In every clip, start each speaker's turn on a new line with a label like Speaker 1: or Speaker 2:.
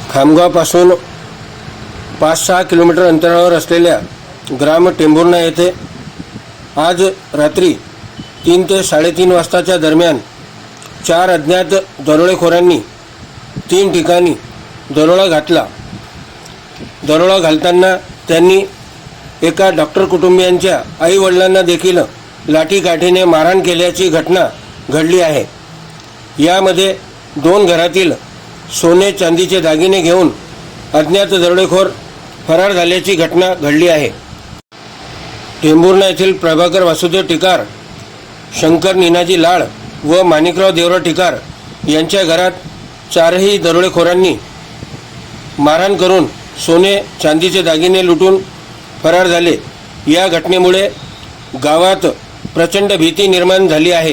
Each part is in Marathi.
Speaker 1: खामगावपासून 5-6 किलोमीटर अंतरावर असलेल्या ग्राम टेंभुर्णा येथे आज रात्री 3 ते 3:30 वाजताच्या दरम्यान 4 अज्ञात दरोडेखोरांनी 3 ठिकाणी दरोडा घातला. दरोडा घालताना त्यांनी एका डॉक्टर कुटुंबियांच्या आईवडिलांना देखील लाठीकाठीने मारहाण केल्याची घटना घडली आहे. यामध्ये 2 घरातील सोने चांदीचे दागिने घेऊन अज्ञात दरोडेखोर फरार झाल्याची घटना घडली आहे. टेंभुर्णा येथील प्रभाकर वासुदेव टिकार, शंकर निनाजी लाड व माणिकराव देवराव टिकार यांच्या घरात 4ही दरोडेखोरांनी मारहाण करून सोने चांदीचे दागिने लुटून फरार झाले. या घटनेमुळे गावात प्रचंड भीती निर्माण झाली आहे.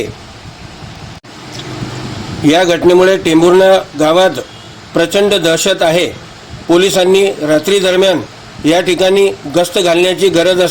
Speaker 1: या घटनेमुळे टेंभुर्णा गावात प्रचंड दहशत आहे. पोलिसांनी रात्री दरम्यान या ठिकाणी गस्त घालण्याची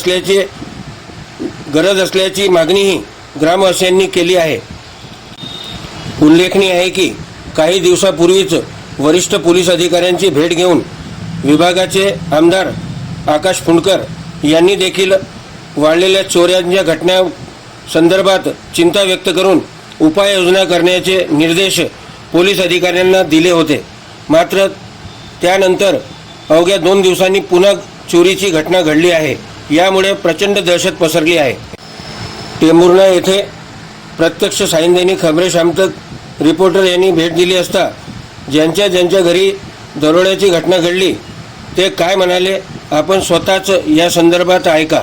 Speaker 1: गरज असल्याची मागणीही ग्रामवासियांनी केली आहे. उल्लेखनीय आहे की काही दिवसापूर्वीच वरिष्ठ पोलीस अधिकाऱ्यांची भेट घेऊन विभागाचे आमदार आकाश फुंडकर यांनी देखील वाढलेल्या चोऱ्यांच्या घटना संदर्भात चिंता व्यक्त करून उपाययोजना करण्याचे निर्देश पोलीस अधिकाऱ्यांना दिले होते. मात्र त्यानंतर अवघ्या 2 दिवसांनी पुन्हा चोरीची घटना घडली आहे. यामुळे प्रचंड दहशत पसरली आहे. टेंभुर्णा येथे प्रत्यक्ष सायंदैनिक खबरे शामतक रिपोर्टर यांनी भेट दिली असता ज्यांच्या घरी दरोड्याची घटना घडली ते काय म्हणाले आपण स्वतःच या संदर्भात ऐका.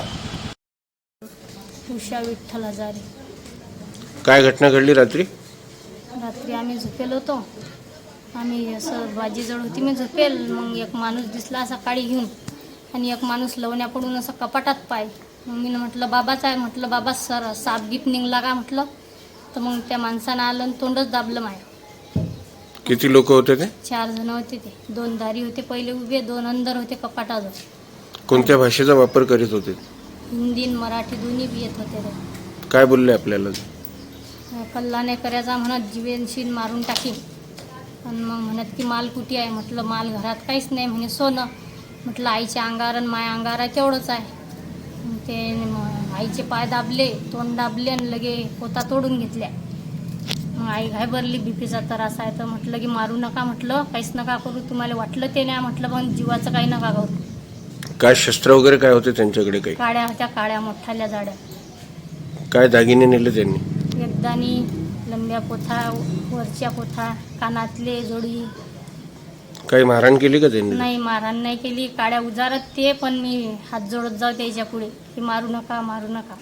Speaker 2: उषा विठ्ठल हजारे.
Speaker 1: काय घटना घडली रात्री?
Speaker 2: रात्री आम्ही झोपेल होतो. आम्ही असं बाजीजवळ होती, मी झोपेल. मग एक माणूस दिसला असा काडी घेऊन आणि एक माणूस लवण्या पडून असं कपाटात पाय. मग मी म्हटलं बाबाच आहे, म्हटलं बाबा सर साप गिप निघला का म्हटलं. तर मग त्या माणसानं आलं आणि तोंडच दाबलं माय.
Speaker 1: किती लोक होते ते?
Speaker 2: 4 जण होते ते. 2 दारी होते पहिले उभे, 2 अंदर होते कपाटाजवळ.
Speaker 1: कोणत्या भाषेचा वापर करीत होते?
Speaker 2: हिंदी आणि मराठी दोन्ही बी येत होते ते.
Speaker 1: काय बोलले आपल्याला?
Speaker 2: कल्ला नाही करायचा म्हणत जीवेनशीन मारून टाकीन. आणि मग म्हणत की माल कुठे आहे. म्हटलं माल घरात काहीच नाही. म्हणे सोनं. म्हटलं आईच्या अंगावर आणि माया अंगावर आहे तेवढंच आहे. ते आईचे पाय दाबले, तोंड दाबले आणि लगे पोता तोडून घेतल्या. मग आई घाबरली, बीपीचा त्रास आहे तर म्हटलं की मारू नका, म्हटलं काहीच नका करू, तुम्हाला वाटलं ते नाही, म्हटलं पण जीवाचं काही नका करू.
Speaker 1: काय शस्त्र वगैरे काय होते त्यांच्याकडे? काही
Speaker 2: काड्या होत्या, काड्या मोठ्याल्या जाड्या.
Speaker 1: काय दागिने नेले त्यांनी?
Speaker 2: एकदानी लंब्या पोथा, वरच्या पोथा, कानातले जोडी.
Speaker 1: काही मारहाण केली का त्यांनी?
Speaker 2: नाही, मारहाण नाही केली. काड्या उजारत ते, पण मी हात जोडत जाऊ त्याच्या पुढे की मारू नका मारू नका.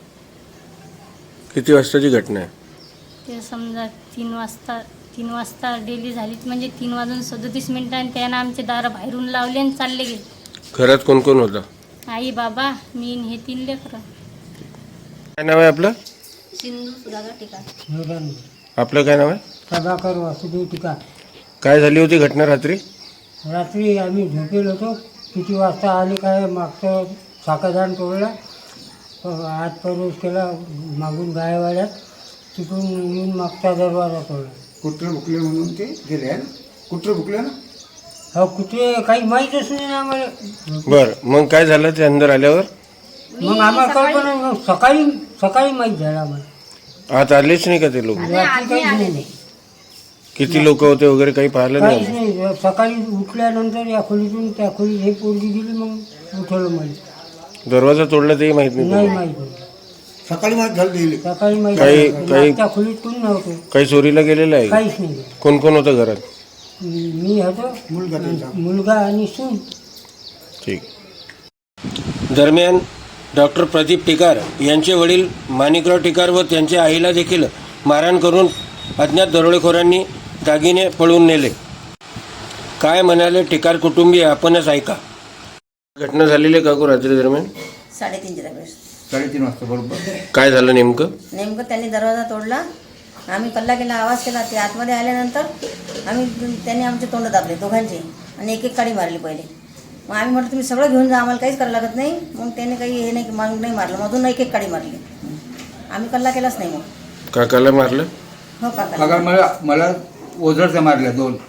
Speaker 1: किती वाजताची घटना आहे?
Speaker 2: ते समजा 3 वाजता डेली झाली, म्हणजे 3:37 त्यानं आमचे दार बाहेरून लावले आणि चालले गेले.
Speaker 1: घरात कोण कोण होता?
Speaker 2: आई, बाबा, मी आणि हे 3 लेकरं.
Speaker 1: काय नाव आहे आपलं?
Speaker 2: सिंधू सुधाकर टिकार.
Speaker 1: आपलं काय नाव आहे?
Speaker 3: प्रभाकर वासुदेव टिकार.
Speaker 1: काय झाली होती घटना रात्री?
Speaker 3: रात्री आम्ही झोपेल होतो. किती वाजता आले काय, मागचं साखरदान तोडला, आत प्रवेश केला मागून गायवाड्यात, तिकडून येऊन मागचा दरवाजा तोडला.
Speaker 4: कुत्रे भुकले म्हणून ते गेले. कुत्रे भुकले ना?
Speaker 3: हो, कुठे काही माहीतच नाही ना आम्हाला.
Speaker 1: बर, मग काय झालं ते अंदर आल्यावर?
Speaker 3: मग आम्हाला कल्पना नाही. सकाळी माहीत झालं आम्हाला.
Speaker 1: आत आलेच नाही का ते लोक?
Speaker 3: रात्री काहीच नाही.
Speaker 1: किती लोक होते वगैरे काही पाहिलं
Speaker 3: काहीच
Speaker 1: नाही?
Speaker 3: नाही. सकाळी उठल्यानंतर या खोलीतून त्या खोलीत हे पोरगी गेली, मग उठवलं मला.
Speaker 1: दरवाजा तोडला तेही माहित
Speaker 3: नाही
Speaker 1: नाही?
Speaker 3: माहीत नाही.
Speaker 4: सकाळी माहीत झालं गेले.
Speaker 3: सकाळी माहीत
Speaker 1: काही-
Speaker 3: झालं.
Speaker 1: काही-
Speaker 3: त्या खोलीत कोण नव्हतं.
Speaker 1: काही चोरीला गेलेलं आहे?
Speaker 3: काहीच नाही.
Speaker 1: कोण कोण होतं घरात?
Speaker 3: मी होतो,
Speaker 4: मुलगा त्यांचा.
Speaker 3: मुलगा आणि सून.
Speaker 1: ठीक. दरम्यान डॉक्टर प्रदीप टिकार यांचे वडील माणिकराव टिकार व त्यांच्या आईला देखील मारहाण करून अज्ञात दरोडेखोरांनी दागिने पळवून नेले. काय म्हणाले टिकार कुटुंबीय आपणच ऐका. घटना झालेली का रात्री दरम्यान?
Speaker 5: 3:30च्या दरम्यान.
Speaker 4: 3:30 वाजता बरोबर.
Speaker 1: काय झालं नेमकं?
Speaker 5: त्यांनी दरवाजा तोडला. आम्ही कल्ला केला, आवाज केला. ते आतमध्ये आल्यानंतर त्यांनी आमचे तोंड दाबले दोघांचे आणि एक काडी मारली पहिले. मग आम्ही म्हटलं तुम्ही सगळं घेऊन जा, आम्हाला काहीच करायला लागत नाही. मग त्याने काही हे नाही मारून नाही मारलं, मधून एक काडी मारली. आम्ही कल्ला केलाच नाही. मग
Speaker 1: काकाला मारलं?
Speaker 5: हो, काका.
Speaker 4: काका मला ओझरच्या मारल्या 2.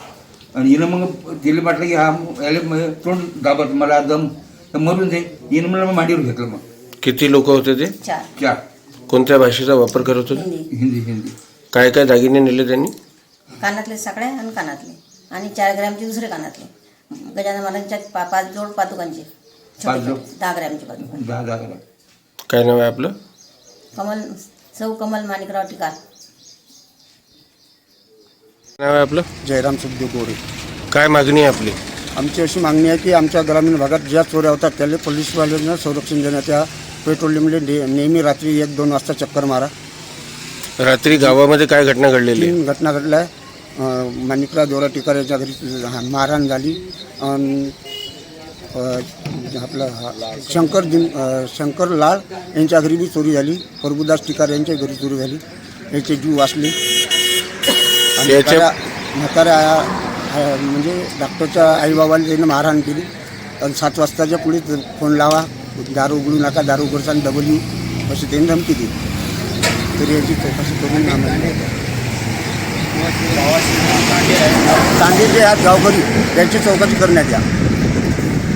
Speaker 4: आणि हिनं मग तिला वाटलं की हा याला तोंड दाबत मला दम तर मरून जाईल. हिनं मला मांडीवर घेतलं. मग
Speaker 1: किती लोक होते ते?
Speaker 5: 4
Speaker 4: 4
Speaker 1: कोणत्या भाषेचा वापर करत होते?
Speaker 5: हिंदी.
Speaker 4: हिंदी.
Speaker 1: काय काय दागिने नेले त्यांनी?
Speaker 5: कानातले साकळे आणि कानातले आणि 4 ग्रॅमचे दुसरे कानातले. गजानन महाराजांच्या 5 जोड पादुकांचे
Speaker 4: 5 जोड.
Speaker 5: 10 ग्रॅमचे पादुका.
Speaker 4: 10 ग्रॅम.
Speaker 1: काय नाव आहे आपलं?
Speaker 5: सौ कमल माणिकराव टिकार.
Speaker 1: नाव आहे आपलं?
Speaker 6: जयराम सुखदेव गोरे.
Speaker 1: काय मागणी आहे आपली?
Speaker 6: आमची अशी मागणी आहे की आमच्या ग्रामीण भागात ज्या चोऱ्या होतात त्याला पोलीसवाल्यांना संरक्षण देण्यात या. पेट्रोलियममध्ये नेहमी रात्री 1-2 वाजता चक्कर मारा.
Speaker 1: रात्री गावामध्ये काय घटना घडलेली आहे?
Speaker 6: 3 घटना घडल्या. माणिकराव देवरा टिकार यांच्या घरी मारहाण झाली. आपलं शंकर लाळ यांच्या घरी बी चोरी झाली. प्रभुदास टिकार यांच्या घरी चोरी झाली. याचे जीव वाचले. आणि म्हाताऱ्या म्हणजे डॉक्टरच्या आईबाबाला त्यांनी मारहाण केली. आणि 7 वाजताच्या पुढे फोन लावा, दारू उघडू नका, दारू उघडसान डबल येऊ अशी त्यांनी धमकी दिली. तरी याची चौकशी करून आम्हाला तांडे जे आहेत गावकरी त्यांची चौकशी करण्यात या.